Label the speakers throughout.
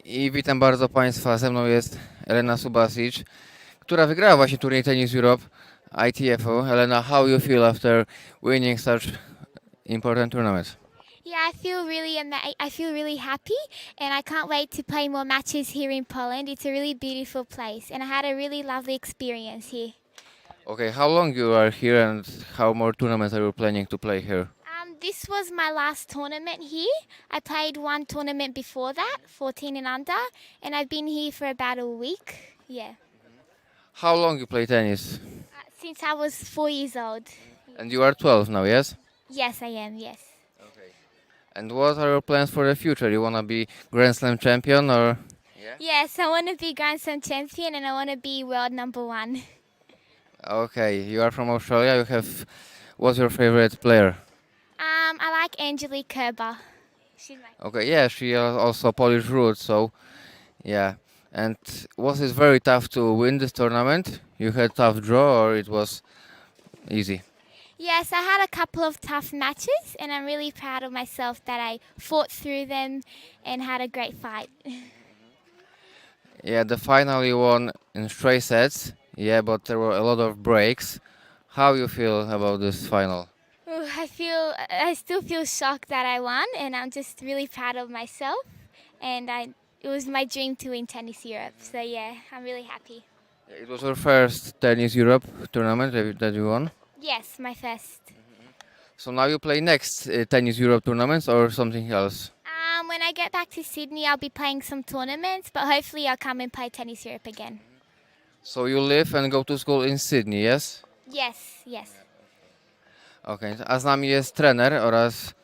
Speaker 1: I witam bardzo Państwa, ze mną jest Elena Subasic, która wygrała właśnie turniej Tennis Europe ITF-u. Elena, how you feel after winning such important tournament?
Speaker 2: Yeah, I feel really happy, and I can't wait to play more matches here in Poland. It's a really beautiful place, and I had a really lovely experience here.
Speaker 1: Okay, how long you are here and how more tournaments are you planning to play here?
Speaker 2: This was my last tournament here. I played one tournament before that, 14 and under, and I've been here for about a week. Yeah,
Speaker 1: How long you play tennis?
Speaker 2: since I was 4 years old.
Speaker 1: And you are 12 now, yes?
Speaker 2: Yes, I am. Yes.
Speaker 1: Okay. And what are your plans for the future? You wanna be Grand Slam champion or?
Speaker 2: Yes, I want to be Grand Slam champion, and I want to be world number one.
Speaker 1: Okay, you are from Australia. You have. What's your favorite player?
Speaker 2: I like Angelique Kerber. She's my
Speaker 1: Okay, yeah, she has also Polish roots, so yeah. And was it very tough to win this tournament? You had tough draw, or it was easy?
Speaker 2: Yes, I had a couple of tough matches, and I'm really proud of myself that I fought through them and had a great fight.
Speaker 1: Yeah, the final you won in straight sets. Yeah, but there were a lot of breaks. How you feel about this final?
Speaker 2: Ooh, I still feel shocked that I won, and I'm just really proud of myself. And it was my dream to win Tennis Europe, so yeah, I'm really happy.
Speaker 1: It was your first Tennis Europe tournament that you won.
Speaker 2: Yes, my first.
Speaker 1: So now you play next Tennis Europe tournaments or something else?
Speaker 2: When I get back to Sydney, I'll be playing some tournaments, but hopefully I'll come and play Tennis Europe again.
Speaker 1: So you live and go to school in Sydney, yes?
Speaker 2: Yes, yes.
Speaker 1: Okej, a z nami jest trener oraz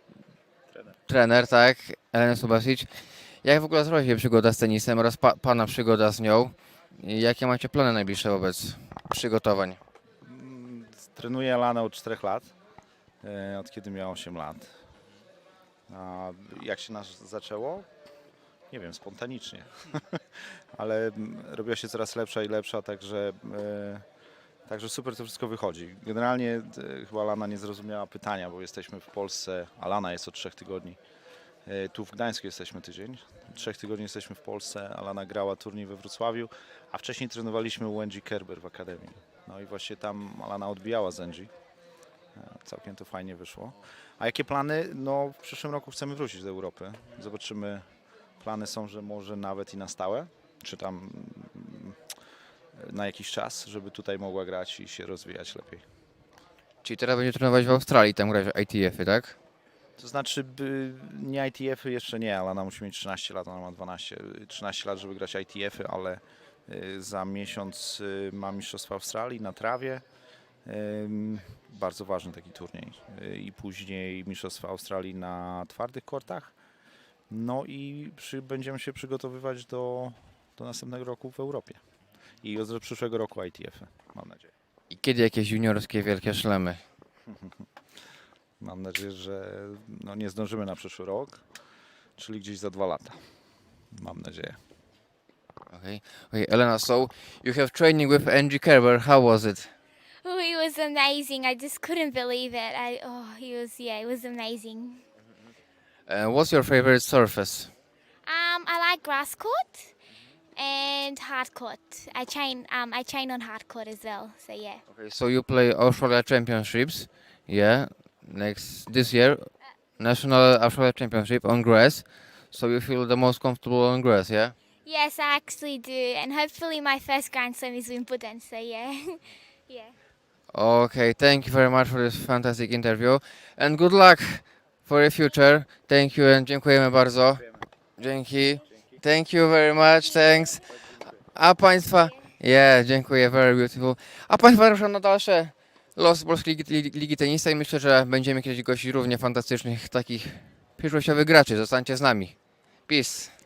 Speaker 1: trener, tak, Elena Subasic. Jak w ogóle zaczęła się przygoda z tenisem oraz pana przygoda z nią? I jakie macie plany najbliższe wobec przygotowań?
Speaker 3: Trenuję Alanę od 4 lat, od kiedy miała 8 lat. A jak się nas zaczęło? Nie wiem, spontanicznie. Ale robiła się coraz lepsza i lepsza, także super to wszystko wychodzi. Generalnie chyba Alana nie zrozumiała pytania, bo jesteśmy w Polsce, Alana jest od 3 tygodni. Tu w Gdańsku jesteśmy tydzień, 3 tygodni jesteśmy w Polsce, Alana grała turniej we Wrocławiu, a wcześniej trenowaliśmy u Angie Kerber w Akademii. No i właśnie tam Alana odbijała z Angie. Całkiem to fajnie wyszło. A jakie plany? No w przyszłym roku chcemy wrócić do Europy. Zobaczymy. Plany są, że może nawet i na stałe, czy tam na jakiś czas, żeby tutaj mogła grać i się rozwijać lepiej.
Speaker 1: Czyli teraz będzie trenować w Australii, tam grać w ITF-y, tak?
Speaker 3: To znaczy, nie ITF-y jeszcze nie, ale ona musi mieć 13 lat, ona ma 13 lat, żeby grać ITF-y, ale za miesiąc ma Mistrzostwa Australii na trawie. Bardzo ważny taki turniej. I później Mistrzostwa Australii na twardych kortach. No i będziemy się przygotowywać do następnego roku w Europie. I od przyszłego roku ITF-y, mam nadzieję.
Speaker 1: I kiedy jakieś juniorskie wielkie szlemy?
Speaker 3: Mam nadzieję, że nie zdążymy na przyszły rok, czyli gdzieś za 2 lata. Mam nadzieję.
Speaker 1: Okay. Okay, Elena, so you have training with Angie Kerber. How was it?
Speaker 2: Oh, it was amazing. I just couldn't believe it. It was amazing.
Speaker 1: What's your favorite surface?
Speaker 2: I like grass court and hard court. I train on hard court as well. So yeah.
Speaker 1: Okay, so you play Australia Championships, yeah, this year, National Australia Championship on grass. So you feel the most comfortable on grass, yeah?
Speaker 2: Yes, I actually do, and hopefully my first Grand Slam is Wimbledon. So yeah, yeah.
Speaker 1: Okay, thank you very much for this fantastic interview and good luck for the future. Thank you and dziękujemy bardzo. Dzięki. Thank you very much, thanks. A Państwa, dziękuję, very beautiful. A Państwa zapraszam na dalsze losy Polskiej Ligi Tenisa i myślę, że będziemy kiedyś gościć równie fantastycznych takich przyszłościowych graczy. Zostańcie z nami. Peace.